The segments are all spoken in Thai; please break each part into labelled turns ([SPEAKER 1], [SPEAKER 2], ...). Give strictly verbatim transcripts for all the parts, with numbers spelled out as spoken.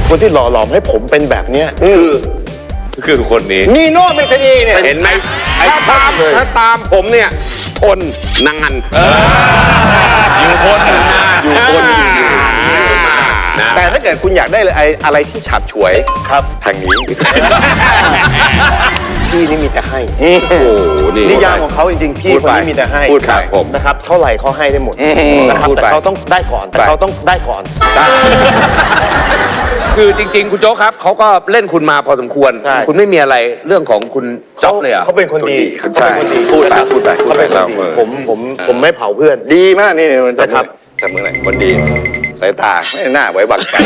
[SPEAKER 1] คนที่หล่อหลอมให้ผมเป็นแบบเนี้ยคือ
[SPEAKER 2] คือคนนี้
[SPEAKER 3] นีโน่เมทานีเนี่ย
[SPEAKER 2] เห็นไหมถ้าตามถ้าตามผมเนี่ยทนนานอยู่ทนนานอยู่ทน
[SPEAKER 3] แต่ถ้าเกิดคุณอยากได้อะไรที่ฉับฉวยครับทางนี้
[SPEAKER 1] พี่นี่มีแต่ให้
[SPEAKER 3] โอ้โห
[SPEAKER 1] นิยามของเขาจริงๆพี่คนนี้มีแต่ให้
[SPEAKER 3] พูดครับผม
[SPEAKER 1] นะครับเท่าไหร่เขาให้ได้หมดนะครับแต่เขาต้องได้ก่อนแต่เขาต้องได้ก่อน
[SPEAKER 2] คือจริงๆคุณโจ๊กครับเขาก็เล่นคุณมาพอสมควรคุณไม่มีอะไรเรื่องของคุณจ๊อบเลยอ่ะ
[SPEAKER 1] เขาเป็นคนดี
[SPEAKER 3] ใช่พูดไปพูดไปพูดไปเรา
[SPEAKER 1] ผมผมผมไม่เผาเพื่อน
[SPEAKER 3] ดีมากนี่นะครับแต่เมื่อไหร่คนดีสายตาไม่น่าไว้วางใจ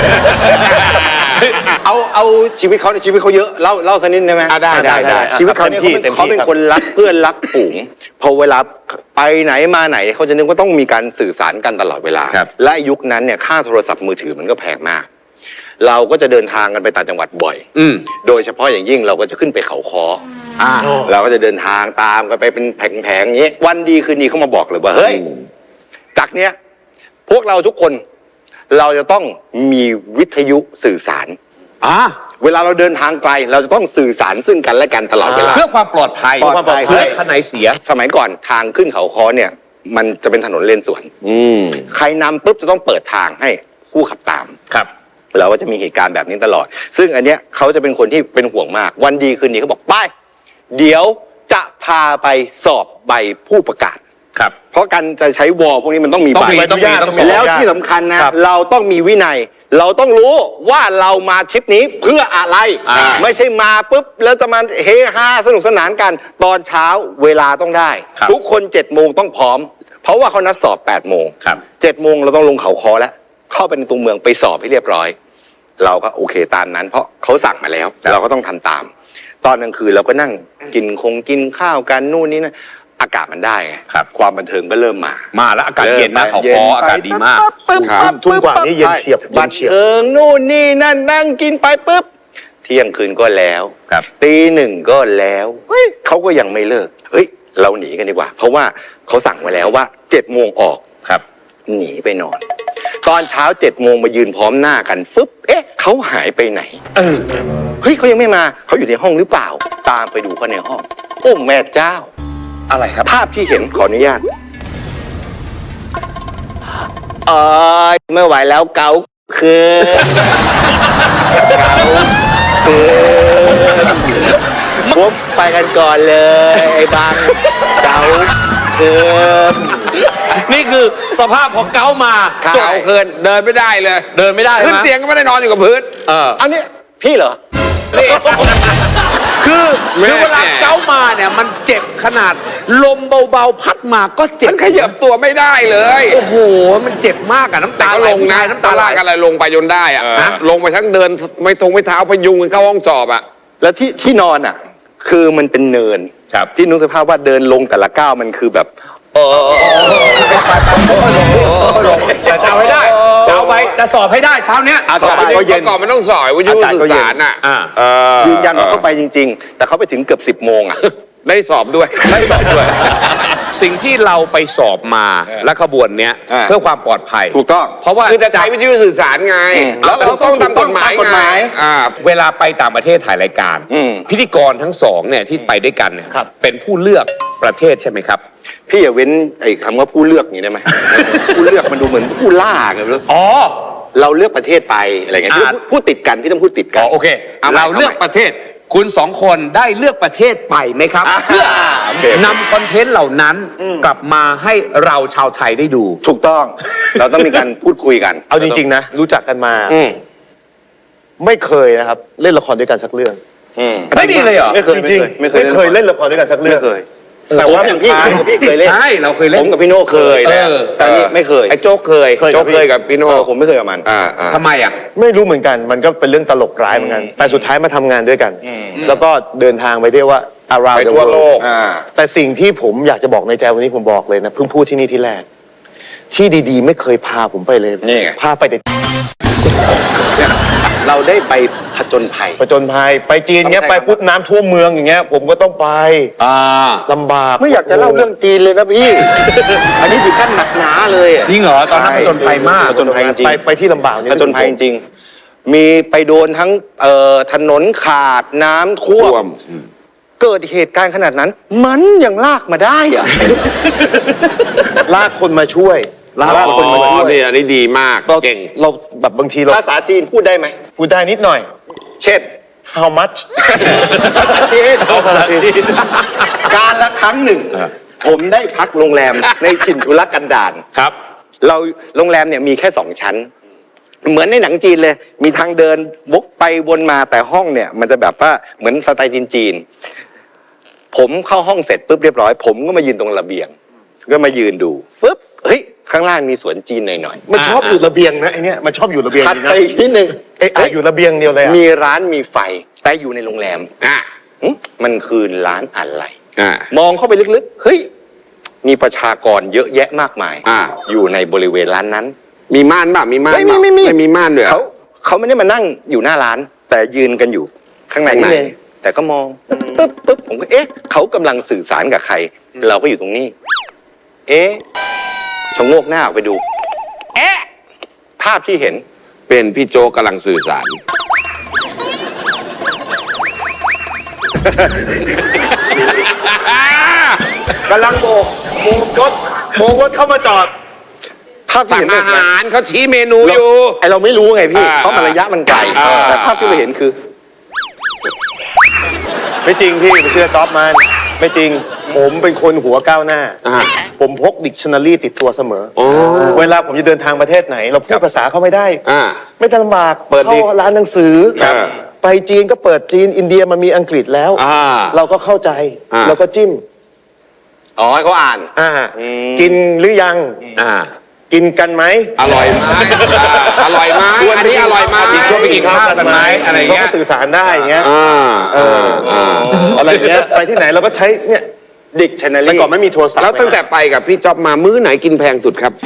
[SPEAKER 3] เอาเอาชีวิตเขาในชีวิตเขาเยอะเล่าเล่าสักนิดได้ไหม
[SPEAKER 2] ได้ได้ได้
[SPEAKER 3] ชีวิตเขาเนี่ยเขาเป็นคนรักเพื่อนรักฝูงพอเวลาไปไหนมาไหนเขาจะนึกว่าต้องมีการสื่อสารกันตลอดเวลาและยุคนั้นเนี่ยค่าโทรศัพท์มือถือมันก็แพงมากเราก็จะเดินทางกันไปต่างจังหวัดบ่อยโดยเฉพาะอย่างยิ่งเราก็จะขึ้นไปเขาค้อเราก็จะเดินทางตามกันไปเป็นแผงๆอย่างนี้วันดีคืนดีเขามาบอกเลยว่าเฮ้ยจากเนี้ยพวกเราทุกคนเราจะต้องมีวิทยุสื่อสาร
[SPEAKER 2] อ่า
[SPEAKER 3] เวลาเราเดินทางไกลเราจะต้องสื่อสารซึ่งกันและกันตลอดเวลา
[SPEAKER 2] เพื่อความปลอดภัย
[SPEAKER 3] ปลอดภัย
[SPEAKER 2] เพื่อขนายเสีย
[SPEAKER 3] สมัยก่อนทางขึ้นเขาค้อเนี่ยมันจะเป็นถนนเลนสวนใครนำปุ๊บจะต้องเปิดทางให้ผู้ขับตาม
[SPEAKER 2] ครับ
[SPEAKER 3] เราก็จะมีเหตุการณ์แบบนี้ตลอดซึ่งอันเนี้ยเขาจะเป็นคนที่เป็นห่วงมากวันดีคืนดีเขาบอกไปเดี๋ยวจะพาไปสอบใบผู้ประกาศ
[SPEAKER 2] ครับ
[SPEAKER 3] เพราะการจะใช้วอลพวกนี้มันต้องมีใบแล้วที่สำคัญนะเราต้องมีวินัยเราต้องรู้ว่าเรามาทริปนี้เพื่ออะไรไม่ใช่มาปุ๊บแล้วจะมาเฮฮาสนุกสนานกันตอนเช้าเวลาต้องได้ทุกคนเจ็ดโมงต้องพร้อมเพราะว่าเขานัดสอบแปดโมงเจ็ดโมงเราต้องลงเขาคอแล้วเข้าไปในตัวเมืองไปสอบให้เรียบร้อยเราก็โอเคตามนั้นเพราะเขาสั่งมาแล้วเราก็ต้องทำตามตอนกลางคืนเราก็นั่งกินคงกินข้าวกันนู่นนี่นะอากาศมันได้ไงความบันเทิงก็เริ่มมา
[SPEAKER 2] มาแล้วอากาศเย็นนะเขาคออากาศดีมาก
[SPEAKER 1] ทุ่มกว่านี่เย็นเฉียบ
[SPEAKER 3] บันเทิงนู่นนี่นั่นนั่งกินไปปุ๊บเที่ยงคืนก็แล้วตีหนึ่งก็แล้วเฮ้ยเขาก็ยังไม่เลิกเฮ้ยเราหนีกันดีกว่าเพราะว่าเขาสั่งมาแล้วว่าเจ็ดโมงออก
[SPEAKER 2] ครับ
[SPEAKER 3] หนีไปนอนตอนเช้าเจ็ดโมงมายืนพร้อมหน้ากันฟึบเอ๊ะเขาหายไปไหนเออเฮ้ยเขายังไม่มาเขาอยู่ในห้องหรือเปล่าตามไปดูเขาในห้องโอ้แม่เจ้า
[SPEAKER 2] อะไรครับ
[SPEAKER 3] ภาพที่เห็นขออนุญาตเออไม่ไหวแล้วเกาคือเกาคือปุ๊บไปกันก่อนเลยไอ้บังเกาคือ
[SPEAKER 2] นี่คือสภาพของเกามา
[SPEAKER 3] เกาเกินเดินไม่ได้เลย
[SPEAKER 2] เดินไม่ได้
[SPEAKER 3] ขึ้นเตียงก็ไม่ได้นอนอยู่กับพื้น
[SPEAKER 2] เออ
[SPEAKER 3] อันนี้พี่เหรอ
[SPEAKER 2] คือคือเวลาเกามาเนี่ยมันเจ็บขนาดลมเบาๆพัดมาก็เจ็บ
[SPEAKER 3] มันขยับตัวไม่ได้เลย
[SPEAKER 2] โอ้โหมันเจ็บมากอะน้ำตา
[SPEAKER 3] ลงนะ
[SPEAKER 2] น้ำตาไหล
[SPEAKER 3] อะไรลงไปจนได้อะลงไปทั้งเดินไม่ทงไม่เท้าพยุงกันเข้าห้องสอบอะแล้วที่ที่นอนอะคือมันเป็นเนินที่นึกสภาพว่าเดินลงแต่ละก้าวมันคือแบบ
[SPEAKER 2] เออจะเอาให้ได้จะเอาไปจะสอบให้ได้เช้าเนี้ย
[SPEAKER 3] สอบไปก็เย็นก่อนมันต้องสอบวิทยุสื่อสารอ่ะยืนยันว่าเขาไปจริงๆแต่เขาไปถึงเกือบสิบโมงอ่ะได้สอบด้วย
[SPEAKER 2] ได้สอบด้วยสิ่งที่เราไปสอบมาและขบวนเนี้ยเพื่อความปลอดภัย
[SPEAKER 3] ถูกต้อง
[SPEAKER 2] เพราะว่า
[SPEAKER 3] คือจะใช้วิทยุสื่อสารไงแล้วเราต้องตามกฎหมาย
[SPEAKER 2] ไงเวลาไปต่างประเทศถ่ายรายการพิธีกรทั้งสองเนี่ยที่ไปด้วยกันเนี่ยเป็นผู้เลือกประเทศใช่ไหมครับ
[SPEAKER 3] พี่อย่าเว้นไอ้คำว่าผู้เลือกอย่างนี้ได้ไหมผู้เลือกมันดูเหมือนผู้ล่าไงเลย
[SPEAKER 2] อ๋อ
[SPEAKER 3] เราเลือกประเทศไปอะไรเงี้ยพูดติดกันที่ต้องพูดติดกัน
[SPEAKER 2] โอเคเราเลือกประเทศคุณสองคนได้เลือกประเทศไปไหมครับเพื่อนำคอนเทนต์เหล่านั้นกลับมาให้เราชาวไทยได้ดู
[SPEAKER 3] ถูกต้องเราต้องมีการพูดคุยกัน
[SPEAKER 1] เอาจริงๆนะรู้จักกันมาไม่เคยนะครับเล่นละครด้วยกันสักเรื่อง
[SPEAKER 2] ไม่มีเลยเหรอ
[SPEAKER 1] ไม่เคยจริงไม่เคยเล่นละครด้วยกันสักเรื่อง
[SPEAKER 3] แต่ว่าอย่างพี่พี่เคยเล่น
[SPEAKER 2] ใช่เราเคยเล่น
[SPEAKER 3] ผมกับพี่โน่เคยแต่นี่ไม่เคย
[SPEAKER 2] ไอ้โจ๊กเคย
[SPEAKER 3] โจ๊กเคยกับพี่โน่ผมไม่เคยกับมัน
[SPEAKER 2] ทำไมอ่ะ
[SPEAKER 1] ไม่รู้เหมือนกันมันก็เป็นเรื่องตลกร้ายเหมือนกันแต่สุดท้ายมาทำงานด้วยกันแล้วก็เดินทางไปเที่ยวว่า around the world แต่สิ่งที่ผมอยากจะบอกในใจวันนี้ผมบอกเลยนะเพิ่งพูดที่นี่ที่แรกที่ดีๆไม่เคยพาผมไปเลยพาไปแต่
[SPEAKER 3] เราได้ไปผจญภัย
[SPEAKER 1] ผจญภัยไปจีนเงี้ยไปปุ๊บน้ำท่วมเมืองอย่างเงี้ยผมก็ต้องไปลำบาก
[SPEAKER 3] ไม่อยากจะเล่าเรื่องจีนเลยนะพี่อันนี้ถึงขั้นหนักหนาเลย
[SPEAKER 2] จริงเหรอตอนนั้นผจญภัยมาก
[SPEAKER 3] ผจญภัยจริง
[SPEAKER 1] ไปไปที่ลำบากนี่
[SPEAKER 3] ผจญภัยจริงมีไปโดนทั้งเอ่อถนนขาดน้ำท่ว
[SPEAKER 4] ท่ว
[SPEAKER 3] ม
[SPEAKER 4] มอืม
[SPEAKER 3] เกิดเหตุการณ์ขนาดนั้น มันยังลากมาได้อะ
[SPEAKER 1] ลากคนมาช่วย ลากคนมาช่วย
[SPEAKER 4] นี่อันนี้ดีมาก
[SPEAKER 1] เรา
[SPEAKER 4] เก่ง
[SPEAKER 1] เราแบบบางทีเรา
[SPEAKER 3] ภาษาจีนพูดได้ไหม
[SPEAKER 1] พูดได้นิดหน่อย
[SPEAKER 3] เช่น
[SPEAKER 1] how much
[SPEAKER 3] เอาภาษาจีนการละครั้งหนึ่ง ผมได้พักโรงแรมในถิ่นทุรกันดาร
[SPEAKER 2] ครับ
[SPEAKER 3] เราโรงแรมเนี่ยมีแค่สองชั้น เหมือนในหนังจีนเลย มีทางเดินวกไปวนมาแต่ห้องเนี่ยมันจะแบบว่าเหมือนสไตล์จีนๆผมเข้าห้องเสร็จปุ๊บเรียบร้อย ผมก็มายืนตรงระเบียง ก็มายืนดูฟึบเฮ้ยข้างล่างมีสวนจีนหน่อย
[SPEAKER 1] มันชอบอยู่ระเบียงนะไอเนี้ยมันชอบอยู่ระเบียง
[SPEAKER 3] ๆถัด
[SPEAKER 1] ดี
[SPEAKER 3] ไป
[SPEAKER 1] นะ
[SPEAKER 3] อีกนิดนึง
[SPEAKER 1] เอ้ยอ่ะอยู่ระเบียงเดียวเลยอะ
[SPEAKER 3] มีร้านมีไฟแต่อยู่ในโรงแรม
[SPEAKER 4] อ่ะ
[SPEAKER 3] หึมันคือร้านอะไร
[SPEAKER 4] อ่ะ
[SPEAKER 3] มองเข้าไปลึกๆ เฮ้ย มีประชากรเยอะแยะมากมาย
[SPEAKER 4] อ่า
[SPEAKER 3] อยู่ในบริเวณร้านนั้น
[SPEAKER 4] มีม่านป่ะมีม่าน
[SPEAKER 3] ไม่มี
[SPEAKER 4] ป่ะ
[SPEAKER 3] ไม่มี
[SPEAKER 4] ไม่มีม่านด้วยเหรอ
[SPEAKER 3] เขาเขาไม่ได้มานั่งอยู่หน้าร้าน แต่ยืนกันอยู่ข้างใน
[SPEAKER 4] ข้างใน
[SPEAKER 3] นี่เองแต่ก็มองปึ๊บปึ๊บผมก็เอ๊ะเขากำลังสื่อสารกับใคร เราก็อยู่ตรงนี้ เอ๊ะชะโงกหน้าออกไปดู เอ๊ะภาพที่เห็น
[SPEAKER 4] เป็นพี่โจกกำลังสื่อสาร
[SPEAKER 1] กำลังโบกโบกรถโบกรถเข้ามาจอด
[SPEAKER 3] ภาพที่
[SPEAKER 4] สั่ง
[SPEAKER 3] เห็น
[SPEAKER 4] อา
[SPEAKER 3] แบบนั้น
[SPEAKER 4] หารเขาชี้เมนูอยู่
[SPEAKER 3] ไอเราไม่รู้ไงพี่
[SPEAKER 4] อ่า
[SPEAKER 3] เพราะมันระยะมันไกล
[SPEAKER 4] อ่า
[SPEAKER 3] แต่ภาพที่เราเห็นคือ
[SPEAKER 1] ไม่จริงพี่ไปเชื่อจ๊อบมันไม่จริง ผมเป็นคนหัวก้าวหน้า
[SPEAKER 4] อ่า
[SPEAKER 1] ผมพกดิกชันนารีติดตัวเสมอ
[SPEAKER 4] โอ้
[SPEAKER 1] เวลาผมจะเดินทางประเทศไหน เราพูดภาษาเขาไม่ได้
[SPEAKER 4] อ่า
[SPEAKER 1] ไม่ต้องลำบาก
[SPEAKER 4] เปิดดิ
[SPEAKER 1] เข้าร้านหนังสือ
[SPEAKER 4] ครับ
[SPEAKER 1] ไปจีนก็เปิดจีนอินเดียมันมีอังกฤษแล้ว
[SPEAKER 4] อ่า
[SPEAKER 1] เราก็เข้าใจ
[SPEAKER 4] อ่า
[SPEAKER 1] เราก็จิ้ม
[SPEAKER 3] อ๋อให้เขาอ่าน
[SPEAKER 1] อ่า
[SPEAKER 3] อืม
[SPEAKER 1] กินหรือยัง
[SPEAKER 4] อ่า
[SPEAKER 1] กินกันไหม
[SPEAKER 4] อร่อยไหมอ่าอร่อยไหมอันนี้อร่อยไหม
[SPEAKER 2] อีกช่วงไปกินข้าวกันไหมอะไรเงี้ย
[SPEAKER 1] เขาก็สื่อสารได้อย่างเงี้ย
[SPEAKER 4] อ่า
[SPEAKER 1] เออ
[SPEAKER 4] อ่า
[SPEAKER 1] อะไรเงี้ยไปที่ไหนเราก็ใช้เนี่ย
[SPEAKER 3] ดิกชันนารี
[SPEAKER 1] แต่ก่อนไม่มีโทรศัพท์
[SPEAKER 4] แล้วตั้งแต่ไปกับพี่จ๊อบมามื้อไหนกินแพงสุดครับ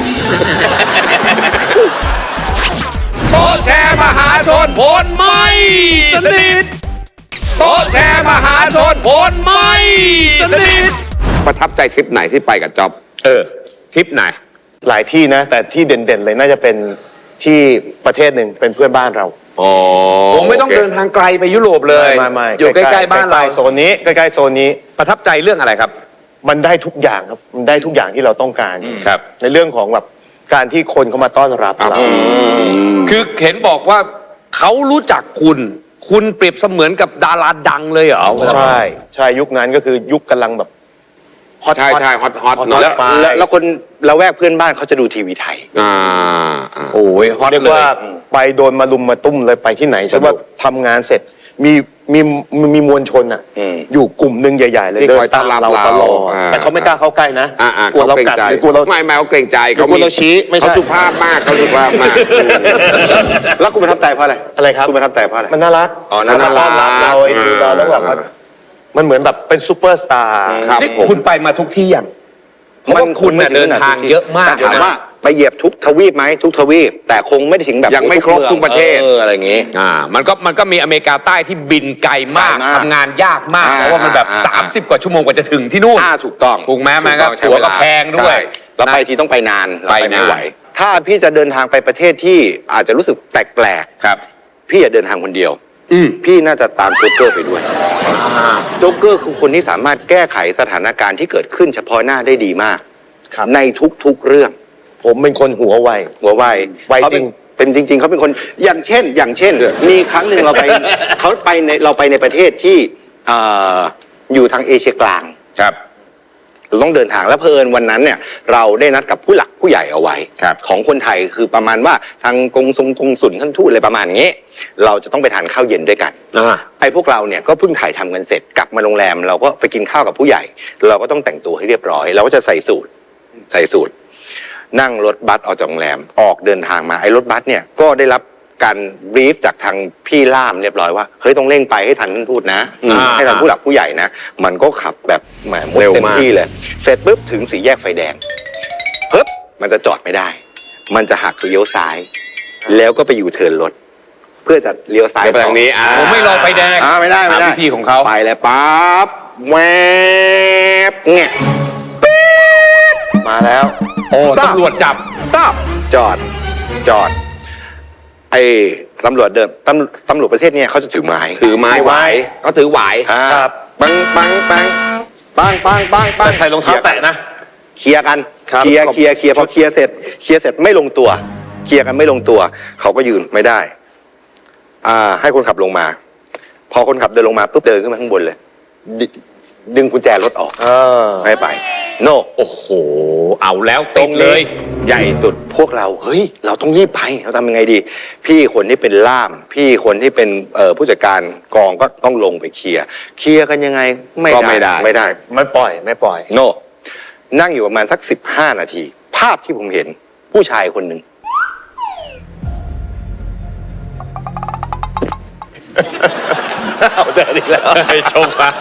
[SPEAKER 2] โต๊ะแชร์มหาชนผลไม่สนิทโต๊ะแชร์มหาชนผลไม่สนิท
[SPEAKER 4] ประทับใจทริปไหนที่ไปกับจ๊อบ
[SPEAKER 2] เออทริปไหน
[SPEAKER 1] หลายที่นะ แต่ที่เด่นๆเลยน่าจะเป็นที่ประเทศหนึ่งเป็นเพื่อนบ้านเรา
[SPEAKER 4] อ๋อ
[SPEAKER 2] ผมไม่ต้องเดินทางไกลไปยุโรปเลย
[SPEAKER 1] ไม่ไม่
[SPEAKER 2] อยู่ใกล้ๆบ้านเรา
[SPEAKER 1] ใกล้ๆโซนนี้ใกล้ๆโซนนี้
[SPEAKER 2] ประทับใจเรื่องอะไรครับ
[SPEAKER 1] มันได้ทุกอย่างครับมันได้ทุกอย่างที่เราต้องการ
[SPEAKER 2] ครับ
[SPEAKER 1] ในเรื่องของแบบการที่คนเขามาต้อนรับเรา
[SPEAKER 2] คือเห็นบอกว่าเขารู้จักคุณ คุณเปรียบเสมือนกับดาราดังเลยเหรอ
[SPEAKER 1] ใช่ใช่ยุคนั้นก็คือยุคกำลังแบบฮอต
[SPEAKER 4] ใช่ใช่ฮอตฮอต
[SPEAKER 1] ฮอต
[SPEAKER 4] เนอะ
[SPEAKER 3] แล้ว
[SPEAKER 1] ไป
[SPEAKER 3] แล้วแล้วคนละแวกเพื่อนบ้านเขาจะดูทีวีไทย
[SPEAKER 4] อ่าอ่า
[SPEAKER 2] โอ้ยฮอต
[SPEAKER 1] เรียก
[SPEAKER 2] เลย
[SPEAKER 1] ว่าไปโดนมาลุมมาตุ้มเลยไปที่ไหนใช่ว่าทำงานเสร็จมีมีมีมีมวลชนอ่ะ
[SPEAKER 3] อืม
[SPEAKER 1] อยู่กลุ่มหนึ่งใหญ่ ๆ เลย
[SPEAKER 4] ที่
[SPEAKER 1] เดิ
[SPEAKER 4] คอย
[SPEAKER 1] นตามเรา
[SPEAKER 4] ต้อนรับ
[SPEAKER 1] ตลอด
[SPEAKER 4] เราอ่า
[SPEAKER 1] แต่เขาไม่กล้าเข้าใกล้นะ
[SPEAKER 4] อ่าอ่าก
[SPEAKER 1] ลัวเรา
[SPEAKER 4] ขกง
[SPEAKER 1] กัด
[SPEAKER 4] ใจ
[SPEAKER 1] หรือกลัวเรา
[SPEAKER 4] ไม่ไม่เขาเกรงใจ
[SPEAKER 1] หรือกลัวเราชี้ไม่ใช่
[SPEAKER 4] เขาสุภาพมากเขาสุภาพมาก
[SPEAKER 3] แล้วคุณประทับใจเพราะอะไร
[SPEAKER 1] อะไรครับ
[SPEAKER 3] คุณประทับใจเพราะอะไร
[SPEAKER 1] มันน่ารัก
[SPEAKER 3] อ๋อน่ารัก
[SPEAKER 1] เขต้อนรับเราไอ้ดูเราแล้วแบบว่ามันเหมือนแบบเป็นซูเปอร์สตาร์
[SPEAKER 4] ครับ
[SPEAKER 2] นี่คุณไปมาทุกที่ยังเพราะว่าคุณน่ะเดินทางเยอะมาก
[SPEAKER 3] แต่ถาม
[SPEAKER 2] เลย
[SPEAKER 3] ว่า
[SPEAKER 2] นะ
[SPEAKER 3] ไปเหยียบทุกทวีปไหมทุกทวีป แต่คงไม่ได้ถึงแบบ
[SPEAKER 4] ยังไม่ครบทุกประเทศ
[SPEAKER 3] เอออะไรอย่างงี้
[SPEAKER 2] อ่ามันก็มันก็มีอเมริกาใต้ที่บินไกลมาก
[SPEAKER 3] ไกลมาก
[SPEAKER 2] ทำงานยากมาก
[SPEAKER 3] อ่า
[SPEAKER 2] เพราะว่ามันแบบ
[SPEAKER 3] อ่า
[SPEAKER 2] สามสิบกว่าชั่วโมงกว่าจะถึงที่นู่น
[SPEAKER 3] อ่าถูกต้อง
[SPEAKER 2] ถูกไหมแม่ครับ
[SPEAKER 3] ถูต้องใช้
[SPEAKER 2] ตั๋วก็
[SPEAKER 3] เา
[SPEAKER 2] แพงด้วย
[SPEAKER 3] ใช่แล้วไปทีต้องไปนานเรา
[SPEAKER 2] ไป
[SPEAKER 3] ไป
[SPEAKER 2] นาน
[SPEAKER 3] ไม่ไหว ถ้าพี่จะเดินทางไปประเทศที่อาจจะรู้สึกแปลก
[SPEAKER 2] ครับ
[SPEAKER 3] ๆพี่อย่าเดินทางคนเดียว
[SPEAKER 2] อืม
[SPEAKER 3] พี่น่าจะตามโจ๊กเกอร์ไปด้วยโจ๊กเกอร์คือคนที่สามารถแก้ไขสถานการณ์ที่เกิดขึ้นเฉพาะหน้าได้ดีมาก
[SPEAKER 1] ครับ
[SPEAKER 3] ในทุกๆเรื่อง
[SPEAKER 1] ผมเป็นคนหัวไว
[SPEAKER 3] หัวไว
[SPEAKER 1] ไว
[SPEAKER 3] เขา
[SPEAKER 1] จริง
[SPEAKER 3] เป็นเป็นจริง ๆเขาเป็นคนอย่างเช่น อย่างเช่น มีครั้งหนึ่งเราไปเขาไปในเราไปในประเทศที่เอ่ออยู่ทางเอเชียกลาง
[SPEAKER 2] ครับ
[SPEAKER 3] เราต้องเดินทางแล้วเพลินวันนั้นเนี่ยเราได้นัดกับผู้หลักผู้ใหญ่เอาไว้
[SPEAKER 2] ครับ
[SPEAKER 3] ของคนไทยคือประมาณว่าทางกงทรงกงสุลท่านทูตอะไรประมาณนี้ เราจะต้องไปทานข้าวเย็นด้วยกัน
[SPEAKER 2] อ่า
[SPEAKER 3] ไอ้พวกเราเนี่ยก็เพิ่งถ่ายทำกันเสร็จกลับมาโรงแรม เราก็ไปกินข้าวกับผู้ใหญ่ เราก็ต้องแต่งตัวให้เรียบร้อย เราก็จะใส่สูทใส่สูทนั่งรถบัสออกจากโรงแรมออกเดินทางมาไอ้รถบัสเนี่ยก็ได้รับการบรีฟจากทางพี่ล่ามเรียบร้อยว่าเฮ้ยต้องเร่งไปให้ทันท่านทูตนะ
[SPEAKER 2] อ่า
[SPEAKER 3] ให้ทันผู้หลักผู้ใหญ่นะมันก็ขับแบบแหมมุด
[SPEAKER 4] เร็ว
[SPEAKER 3] เต็ม
[SPEAKER 4] มาก
[SPEAKER 3] ที่เลย เสร็จปุ๊บถึงสี่แยกไฟแดงปึ๊บมันจะจอดไม่ได้ มันจะหักเลี้ยวซ้าย แล้วก็ไปอยู่เทิร์นรถ เพื่อจะเลี้ยวซ้าย
[SPEAKER 4] เดี๋ยวไปทางนี้อ่า
[SPEAKER 2] ผมไม่รอไฟแดง
[SPEAKER 3] อ่าไม่ได้ไม่ได้
[SPEAKER 2] ตามวิธีของเขา
[SPEAKER 3] ไปแล้วปั๊บแวบเงี้ย
[SPEAKER 1] มาแล้ว
[SPEAKER 2] โอ้ตำรวจจับ
[SPEAKER 3] stop จอด จอด ไอ้ตำรวจเดินตำตำรวจประเทศเนี่ยเขาจะถือไม้
[SPEAKER 4] ถือไม้ไหวก็ถือไหว
[SPEAKER 3] อ่า
[SPEAKER 1] ครับ
[SPEAKER 3] ปังปังปังปังปังปังปัง
[SPEAKER 1] ใส่รองเท้าแตะนะ
[SPEAKER 3] เคลียร์กัน
[SPEAKER 1] ครับ
[SPEAKER 3] เคลียร์เคลียร์เคลียร์พอเคลียร์เสร็จเคลียร์เสร็จไม่ลงตัวเคลียร์กันไม่ลงตัว เขาก็ยืนไม่ได้ อ่า ให้คนขับลงมา พอคนขับเดินลงมาปุ๊บเดินขึ้นมาข้างบนเลยดดึงกุญแจรถออก
[SPEAKER 1] เออ
[SPEAKER 3] ไม่ไป โน
[SPEAKER 2] โอ้โห เอาแล้วติดเลย
[SPEAKER 3] ใหญ่สุดพวกเราเฮ้ยเราต้องรีบไปเราทำยังไงดี พี่คนที่เป็นล่าม พี่คนที่เป็นเอ่อผู้จัดการกองก็ต้องลงไปเคลียร์เคลียร์กันยังไงไม่
[SPEAKER 4] ก็
[SPEAKER 3] ได้
[SPEAKER 4] ไม่ได้
[SPEAKER 3] ไม่ได้
[SPEAKER 1] ไม่ปล่อยไม่ปล่อย
[SPEAKER 3] โน นั่งอยู่ประมาณสักสิบห้านาที ภาพที่ผมเห็นผู้ชายคนหนึ่ง
[SPEAKER 1] เอาแต่อีกแล้ว
[SPEAKER 2] โชคค่ะ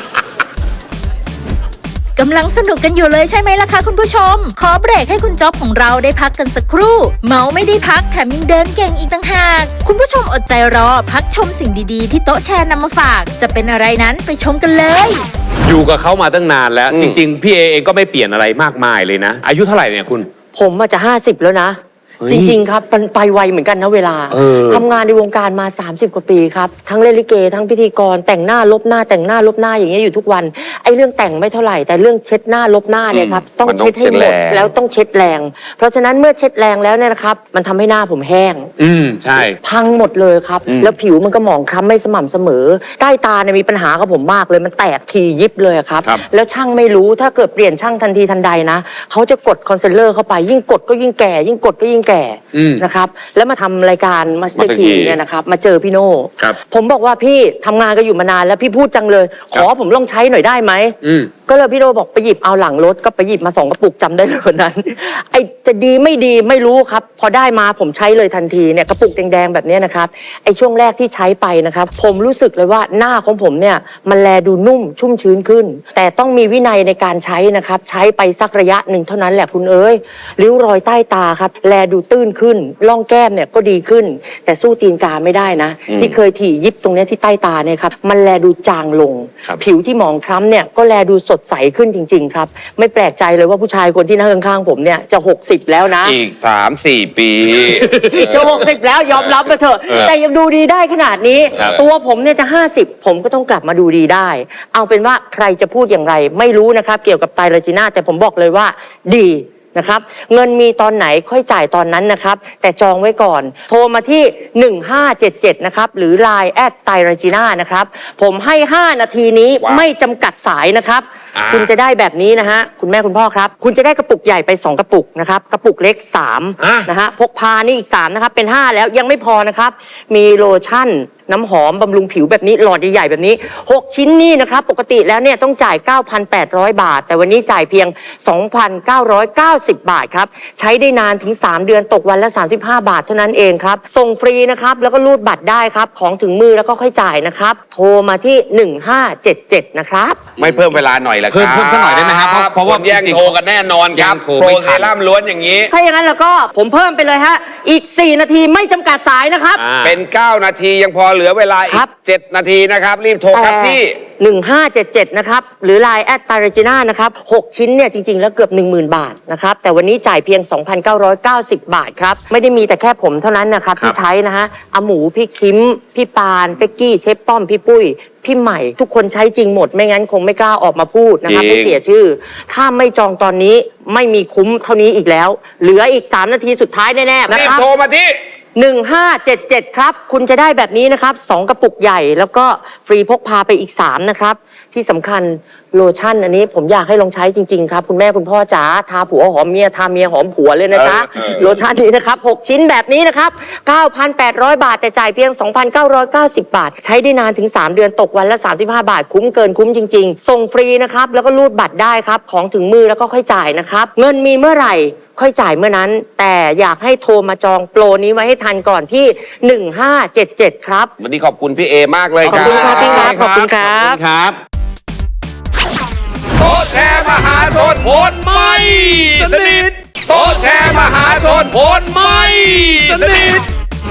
[SPEAKER 5] กำลังสนุกกันอยู่เลยใช่ไหมล่ะคะคุณผู้ชม ขอเบรกให้คุณจ๊อบของเราได้พักกันสักครู่ เมาไม่ได้พักแถมยังเดินเก่งอีกต่างหาก คุณผู้ชมอดใจรอพักชมสิ่งดีๆที่โต๊ะแชร์นำมาฝาก จะเป็นอะไรนั้นไปชมกันเลย
[SPEAKER 2] อยู่กับเขามาตั้งนานแล้ว จริง ๆ พี่เอเองก็ไม่เปลี่ยนอะไรมากมายเลยนะ อายุเท่าไหร่เนี่ยคุณ
[SPEAKER 6] ผมอาจจะห้าสิบแล้วนะ
[SPEAKER 2] เฮ้ย
[SPEAKER 6] จริง ๆ ครับมันไปไวเหมือนกันนะเวลา
[SPEAKER 2] เออ
[SPEAKER 6] ทำงานในวงการมา สามสิบ กว่าปีครับ ทั้งเล่นลิเก ทั้งพิธีกร แต่งหน้าลบหน้าแต่งหน้าลบหน้าอย่างเงี้ยอยู่ทุกวัน ไอ้เรื่องแต่งไม่เท่าไหร่ แต่เรื่องเช็ดหน้าลบหน้าเนี่ยครับต้อง
[SPEAKER 4] มันต้อง
[SPEAKER 6] เช็ดให้หม
[SPEAKER 4] เช็ดแร
[SPEAKER 6] ด
[SPEAKER 4] ง
[SPEAKER 6] แล้วต้องเช็ดแรง เพราะฉะนั้นเมื่อเช็ดแรงแล้วเนี่ยนะครับมันทำให้หน้าผมแห้ง
[SPEAKER 2] อืมใช่
[SPEAKER 6] พังหมดเลยครับ แล้วผิวมันก็หมองคล้ำไม่สม่ำเสมอ ใต้ตาเนี่ยมีปัญหากับผมมากเลย มันแตกทียิบเลยอะครับ
[SPEAKER 2] ครับ
[SPEAKER 6] แล้วช่างไม่รู้ถ้าเกิดเปลี่ยนช่างทันทีทันใดนะเขาจะกดคอนซีลเลอร์เข้าไป ยิ่งกดก็ยิ่งแก่ ยิ่งกดก็ยิ่งแก่
[SPEAKER 2] อืม
[SPEAKER 6] นะครับ แล้วมาทำรายการมาสเตอ
[SPEAKER 4] Master
[SPEAKER 6] ร์คี
[SPEAKER 4] Key
[SPEAKER 6] เนี่ยนะครับ มาเจอพี่โน่
[SPEAKER 2] ครับ
[SPEAKER 6] ผมบอกว่าพี่ทำงานกันอยู่มานานแล้วพี่พูดจังเลย ขอผมลองใช้หน่อยได้ไหม
[SPEAKER 2] อืม
[SPEAKER 6] ก็เลยพี่โน่บอกไปหยิบเอาหลังรถก็ไปหยิบมาสองกระปุกจำได้เลยวันนั้น ไอจะดีไม่ดีไม่รู้ครับ พอได้มาผมใช้เลยทันทีเนี่ยกระปุกแดงๆแบบเนี้ยนะครับไอช่วงแรกที่ใช้ไปนะครับ ผมรู้สึกเลยว่าหน้าของผมเนี่ยมันแลดูนุ่มชุ่มชื้นขึ้น แต่ต้องมีวินัยในการใช้นะครับ ใช้ไปสักระยะหนึ่งเท่านั้นแหละคุณเอ้ยริ้วรอยใต้ตาครับแลดูตื้นขึ้นร่องแก้มเนี่ยก็ดีขึ้น แต่สู้ตีนกาไม่ได้นะ ที่เคยถี่ยิบตรงเนี้ยที่ใต้ตาเนี่ยครับมันแลดูจางลง
[SPEAKER 2] ครับ
[SPEAKER 6] ผิวที่หมองคล้ำเนี่ยก็แลดูสดใสขึ้นจริง ๆ ครับ ไม่แปลกใจเลยว่าผู้ชายคนที่นั่งข้างๆผมเนี่ยจะหกสิบแล้วนะ
[SPEAKER 4] อีกสามสี่ปี
[SPEAKER 6] จะหกสิบแล้วยอมรับมาเถอะ
[SPEAKER 2] เออ
[SPEAKER 6] แต่ยังดูดีได้ขนาดนี้
[SPEAKER 2] ครับ
[SPEAKER 6] ตัวผมเนี่ยจะห้าสิบผมก็ต้องกลับมาดูดีได้ เอาเป็นว่าใครจะพูดอย่างไร ไม่รู้นะครับ เกี่ยวกับไตรจีน่าแต่ผมบอกเลยว่าดีนะครับ เงินมีตอนไหนค่อยจ่ายตอนนั้นนะครับ แต่จองไว้ก่อน โทรมาที่ หนึ่งห้าเจ็ดเจ็ด นะครับ หรือ ไลน์ แอทไตรจีน่านะครับ ผมให้ ห้า นาทีนี้
[SPEAKER 4] ว้าว
[SPEAKER 6] ไม่จำกัดสายนะครับ
[SPEAKER 2] อ่า
[SPEAKER 6] คุณจะได้แบบนี้นะฮะคุณแม่คุณพ่อครับ คุณจะได้กระปุกใหญ่ไปสองกระปุกนะครับกระปุกเล็กสาม
[SPEAKER 2] อ่ะ
[SPEAKER 6] นะฮะพกพานี่อีกสามนะครับเป็นห้าแล้วยังไม่พอนะครับ มีโลชั่น น้ำหอมบำรุงผิวแบบนี้หลอดใหญ่ๆแบบนี้ หก ชิ้นนี่นะครับ ปกติแล้วเนี่ยต้องจ่าย เก้าพันแปดร้อย บาท แต่วันนี้จ่ายเพียง สองพันเก้าร้อยเก้าสิบ บาทครับ ใช้ได้นานถึง สาม เดือนตกวันละ สามสิบห้า บาทเท่านั้นเองครับ ส่งฟรีนะครับ แล้วก็รูดบัตรได้ครับ ของถึงมือแล้วก็ค่อยจ่ายนะครับ โทรมาที่ หนึ่งห้าเจ็ดเจ็ด นะครับ
[SPEAKER 4] ไม่เพิ่มเวลาหน่อยละครับ
[SPEAKER 2] เพิ่มเพิ่มสักหน่อยได้ไหมครับเพราะเพราะว่า
[SPEAKER 4] คนแย่ง
[SPEAKER 2] จริงๆ
[SPEAKER 4] โทรกันแน่นอนครับ
[SPEAKER 2] แย่งโทร
[SPEAKER 4] โปร
[SPEAKER 2] ไม่ทัน
[SPEAKER 4] เซรั่มล้วนอย่างนี้
[SPEAKER 6] ถ้าอย่างนั้นแล้วก็ผมเพิ่มไปเลยฮะอีก สี่ นาทีไม่จำกัดสายนะครับ
[SPEAKER 2] อ่า
[SPEAKER 4] เป็น เก้า นาทียังพอเหลือเวลาอี
[SPEAKER 6] ครั
[SPEAKER 4] ก
[SPEAKER 6] บ
[SPEAKER 4] เจ็ด นาทีนะครับ รีบโทรครับที่
[SPEAKER 6] หนึ่งห้าเจ็ดเจ็ด นะครับ หรือ ไลน์ แอทไตรจีน่านะครับหกชิ้นเนี่ยจริง ๆ แล้วเกือบ หนึ่งหมื่น บาทนะครับ แต่วันนี้จ่ายเพียง สองพันเก้าร้อยเก้าสิบ บาทครับ ไม่ได้มีแต่แค่ผมเท่านั้นนะครับ ที่ใช้นะฮะอาหมู พี่คิม พี่ปาน เป๊กกี้ เชฟป้อม พี่ปุ้ย พี่ใหม่ ทุกคนใช้จริงหมด ไม่งั้นคงไม่กล้าออกมาพูดนะครับ
[SPEAKER 4] จริง
[SPEAKER 6] ไม่เสียชื่อ ถ้าไม่จองตอนนี้ไม่มีคุ้มเท่านี้อีกแล้ว เหลืออีก สาม นาทีสุดท้ายแน่ๆนะ
[SPEAKER 4] รี
[SPEAKER 6] ค
[SPEAKER 4] บ
[SPEAKER 6] รับ
[SPEAKER 4] โทรมาที่
[SPEAKER 6] หนึ่งห้าเจ็ดเจ็ด ครับ คุณจะได้แบบนี้นะครับสองกระปุกใหญ่แล้วก็ฟรีพกพาไปอีก สาม นะครับ ที่สำคัญโลชั่นอันนี้ผมอยากให้ลองใช้จริง ๆ ครับ คุณแม่คุณพ่อจ๋าทาผัวหอมเมียทาเมียหอมผัวเลยนะจ๊ะ
[SPEAKER 4] เออเออ
[SPEAKER 6] โลชั่นนี้นะครับ หก ชิ้นแบบนี้นะครับ เก้าพันแปดร้อย บาท แต่จ่ายเพียง สองพันเก้าร้อยเก้าสิบ บาท ใช้ได้นานถึง สาม เดือนตกวันละ สามสิบห้า บาท คุ้มเกินคุ้มจริง ๆ ส่งฟรีนะครับแล้วก็รูดบัตรได้ครับของถึงมือแล้วก็ค่อยจ่ายนะครับเงินมีเมื่อไหร่ ค่อยจ่ายเมื่อนั้น แต่อยากให้โทรมาจองโปรนี้ไว้ให้ทันก่อนที่ หนึ่งห้าเจ็ดเจ็ด ครับ
[SPEAKER 4] วันนี้ขอบคุณพี่เอมากเลย
[SPEAKER 6] ขอบคุณครับพี่ครับขอบคุณครับ
[SPEAKER 2] ขอบคุณครับ
[SPEAKER 4] โต๊ะแชร์มหาชนผลไม่สนิทโต๊ะแชร์มหาชนผลไม่สนิท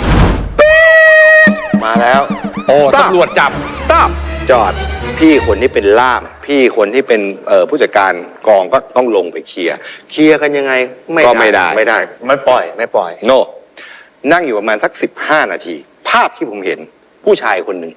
[SPEAKER 1] มาแล้ว
[SPEAKER 2] โอ้ตำรวจจับ
[SPEAKER 3] stop จอด พี่คนที่เป็นล่าม พี่คนที่เป็นเอ่อผู้จัดการกองก็ต้องลงไปเคลียร์เคลียร์กันยังไง
[SPEAKER 4] ก็ไม่ได้
[SPEAKER 3] ไม่ได้
[SPEAKER 1] ไม่ปล่อยไม่ปล่อย
[SPEAKER 3] โน นั่งอยู่ประมาณสักสิบห้านาที ภภาพที่ผมเห็นผู้ชายคนหนึ่ง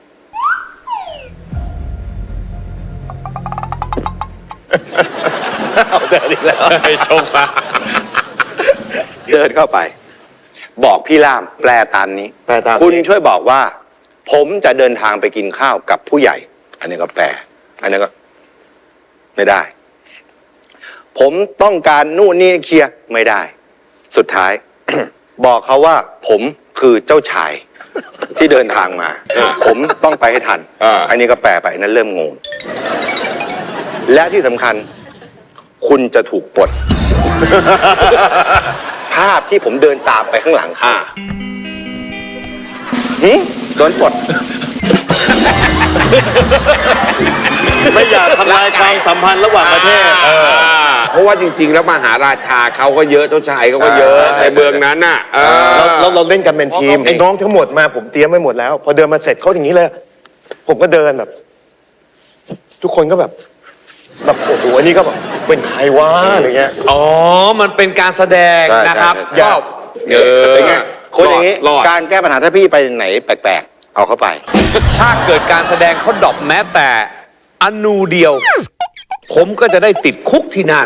[SPEAKER 1] เอาเดินอีกแล้ว
[SPEAKER 4] ไอ้โชคละ
[SPEAKER 3] เดินเข้าไป บอกพี่ล่ามแปลตามนี้
[SPEAKER 1] แปลตาม
[SPEAKER 3] คุณช่วยบอกว่า ผมจะเดินทางไปกินข้าวกับผู้ใหญ่ อันนี้ก็แปล อันนี้ก็ ไม่ได้ ผมต้องการนู่นนี่เคลียร์ไม่ได้ สุดท้าย บอกเขาว่า ผมคือเจ้าชาย ที่เดินทางมา ผมต้องไปให้ทัน อันนี้ก็แปลไปอันนั้นเริ่มงง และที่สำคัญ คุณจะถูกปลด ภาพที่ผมเดินตามไปข้างหลังค่ะหืมโดนปลด
[SPEAKER 1] ไม่อยากทำลายความสัมพันธ์ระหว่างประเทศ
[SPEAKER 4] เพราะว่าจริง ๆ แล้วมหาราชาเขาก็เยอะเจ้าชายเขาก็เยอะในเมืองนั้นน่ะเออ
[SPEAKER 1] เราเราเราเล่นกันเป็นทีมไอ้น้องทั้งหมดมาผมเตรียมไว้หมดแล้ว พอเดินมาเสร็จเขาอย่างนี้เลย ผมก็เดินแบบ ทุกคนก็แบบแบบโอ้โหอันนี้ก็แบบเป็นใครวะอะไรเงี้ย
[SPEAKER 2] อ๋อ มันเป็นการแสดง
[SPEAKER 3] ใช่
[SPEAKER 2] นะครับ
[SPEAKER 3] ใช่
[SPEAKER 2] ก็
[SPEAKER 4] เออ
[SPEAKER 3] เป็นไงคนอย่างนี้
[SPEAKER 4] รอด
[SPEAKER 3] การแก้ปัญหาถ้าพี่ไปไหนแปลกๆ เอาเข้าไป
[SPEAKER 2] ถ้าเกิดการแสดงเขาดรอปแม้แต่อนูเดียว ผมก็จะได้ติดคุกที่นั่น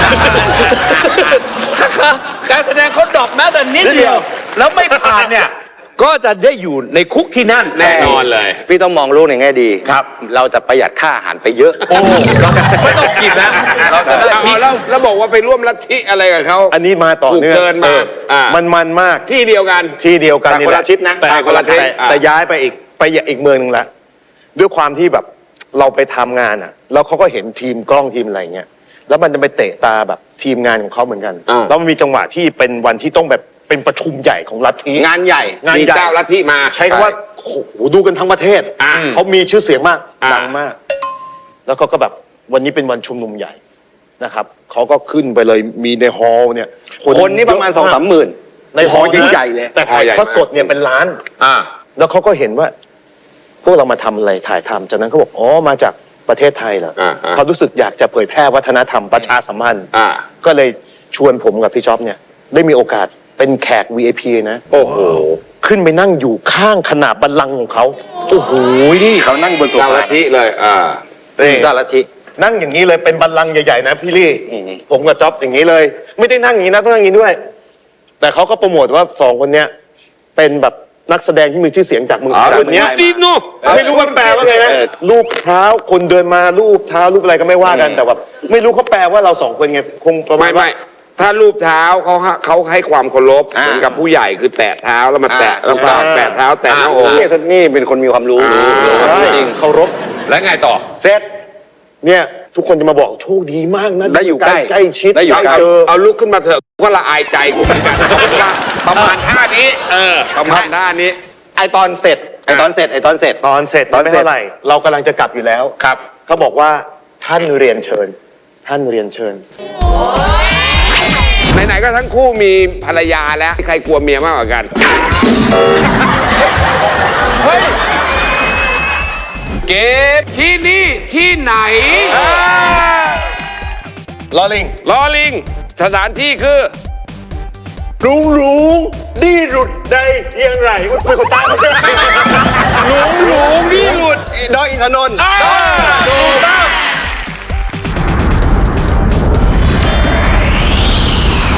[SPEAKER 2] การแสดงเขาดรอปแม้แต่นิดเดียว แล้วไม่ผ่านเนี่ย ก็จะได้อยู่ในคุกที่นั่น
[SPEAKER 4] แน่นอนเลย
[SPEAKER 3] พี่ต้องมองโลกในแง่ดี
[SPEAKER 2] ครับ
[SPEAKER 3] เราจะประหยัดค่าอาหารไปเยอะ
[SPEAKER 2] โอ้เราไม่ต้องกินนะเราจะได้
[SPEAKER 4] เอา
[SPEAKER 2] มี
[SPEAKER 4] แล้วแล้วบอกว่าไปร่วมลัทธิอะไรกับเขา
[SPEAKER 1] อันนี้มาต่อเนื่อง
[SPEAKER 4] ถูกเกินมา
[SPEAKER 1] ออ
[SPEAKER 4] อ่ามั
[SPEAKER 1] มันมันมาก
[SPEAKER 4] ที่เดียวกัน
[SPEAKER 1] ที่เดียวกัน
[SPEAKER 3] แต่คนละทิศนะ
[SPEAKER 1] แต่
[SPEAKER 4] แต่คนละทิศ
[SPEAKER 1] แต่
[SPEAKER 4] อ่า
[SPEAKER 1] แต่ย้ายไปอีกไปอีกเมืองหนึ่งละด้วยความที่แบบเราไปทำงานอ่ะแล้วเขาก็เห็นทีมกล้องทีมอะไรเงี้ยแล้วมันจะไปเตะตาแบบทีมงานของเขาเหมือนกันแล้วมันมีจังหวะที่เป็นวันที่ต้องแบบเป็นประชุมใหญ่ของลัทธิ
[SPEAKER 3] งานใหญ่
[SPEAKER 1] งาน
[SPEAKER 4] มี
[SPEAKER 1] ใหญ่
[SPEAKER 4] เจ้าลัทธิมา
[SPEAKER 1] ใช้คำว่าโอ้โหดูกันทั้งประเทศ
[SPEAKER 4] อ่า
[SPEAKER 1] เขามีชื่อเสียงมาก
[SPEAKER 4] อ่า
[SPEAKER 1] ดังมาก แล้วเขาก็แบบวันนี้เป็นวันชุมนุมใหญ่นะครับเขาก็ขึ้นไปเลยมีในฮอลล์เนี่ย
[SPEAKER 3] คนนี่ประมาณสองสามหมื่น
[SPEAKER 1] ในฮอลล์
[SPEAKER 3] ใหญ่ๆเลย
[SPEAKER 1] แต่ถ่ายทอดสดเนี่ยเป็นล้าน
[SPEAKER 2] อ่า
[SPEAKER 1] แล้วเขาก็เห็นว่า พวกเรามาทำอะไรถ่ายทำจากนั้นเขาบอกอ๋อมาจากประเทศไทยเหรอ
[SPEAKER 4] อ่าอ่า
[SPEAKER 1] เขารู้สึกอยากจะเผยแพร่วัฒนธรรมประชาสัมพันธ์
[SPEAKER 4] อ่า
[SPEAKER 1] ก็เลยชวนผมกับพี่จ๊อบเนี่ย ได้มีโอกาสเป็นแขก วี ไอ พี นะ
[SPEAKER 4] โอ้โห
[SPEAKER 1] ขึ้นไปนั่งอยู่ข้างขนาบบัลลังก์ของเขา
[SPEAKER 2] โอ้โหนี่
[SPEAKER 3] เขานั่งบนโซ
[SPEAKER 4] เจ้า
[SPEAKER 3] ฟา
[SPEAKER 4] ลัทธิเลยอ่า
[SPEAKER 3] เจ้าลัทธิ
[SPEAKER 1] นั่งอย่างนี้เลยเป็นบัลลังก์ใหญ่ๆนะพี่ลี่
[SPEAKER 3] อืม
[SPEAKER 1] ผมกับจ๊อบอย่างนี้เลย ไม่ได้นั่งอย่างนี้นะต้องนั่งอย่างนี้ด้วย แต่เขาก็โปรโมทว่าสองคนเนี้ยเป็นแบบนักแสดงที่มีชื่อเสียงจากเมืองไทยคนเนี้ย
[SPEAKER 4] ติโน
[SPEAKER 1] ไม่รู้ว่าแปลว่าไงนะรูปเท้าคนเดินมารูปเท้ารูปอะไรก็ไม่ว่ากันแต่แบบไม่รู้เขาแปลว่าเราสองคนไงคงประมา
[SPEAKER 4] ไม่
[SPEAKER 1] ณว่า
[SPEAKER 4] ไม่ถ้ารูปเท้าเขาเขาให้ความเคารพ
[SPEAKER 3] อ่า
[SPEAKER 4] เหมือนกับผู้ใหญ่คือแตะเท้าแล้วมาแตะ
[SPEAKER 3] อ่า
[SPEAKER 4] แล้วก็แตะเท้าแตะหน้าอก
[SPEAKER 3] นี่นี่เป็นคนมีความรู้
[SPEAKER 4] อ่า
[SPEAKER 3] รู้
[SPEAKER 1] ใช่
[SPEAKER 3] จริง
[SPEAKER 1] เคารพ
[SPEAKER 2] แล้วไงต่อ
[SPEAKER 3] เสร็จ
[SPEAKER 1] เนี่ยทุกคนจะมาบอกโชคดีมากนะ
[SPEAKER 3] ได้อยู่ใกล้
[SPEAKER 1] ใกล้ชิด
[SPEAKER 3] ได้อยู่ใกล้
[SPEAKER 1] เจอ
[SPEAKER 4] เอาลุกขึ้นมาเถอะก็ละอายใจกูเหมือนกันประมาณท่านี้ เออ ประมาณท่านี้
[SPEAKER 3] ไอตอนเสร็จไอตอนเสร็จไอตอนเสร็จ
[SPEAKER 1] ตอนเสร็จ
[SPEAKER 3] ตอน
[SPEAKER 1] ไม่
[SPEAKER 3] เสร็จ
[SPEAKER 1] เท่าไหร่เรากำลังจะกลับอยู่แล้ว
[SPEAKER 2] ครับ
[SPEAKER 1] เขาบอกว่าท่านเรียนเชิญ ท่านเรียนเชิญ
[SPEAKER 4] ไหนๆก็ทั้งคู่มีภรรยาแล้วใครกลัวเมียมากกว่ากัน เฮ้ย
[SPEAKER 2] เกมที่นี่ที่ไหน
[SPEAKER 1] ลอลิง
[SPEAKER 4] ลอลิง สถานที่คือ
[SPEAKER 1] ลุงลุงดีหลุดได้ยังไงเป็นคนตามมาใช่ไหม
[SPEAKER 4] หลวงหลวงนี่หลุด
[SPEAKER 3] ดอยอินทนนท์
[SPEAKER 4] อ่าถูกต้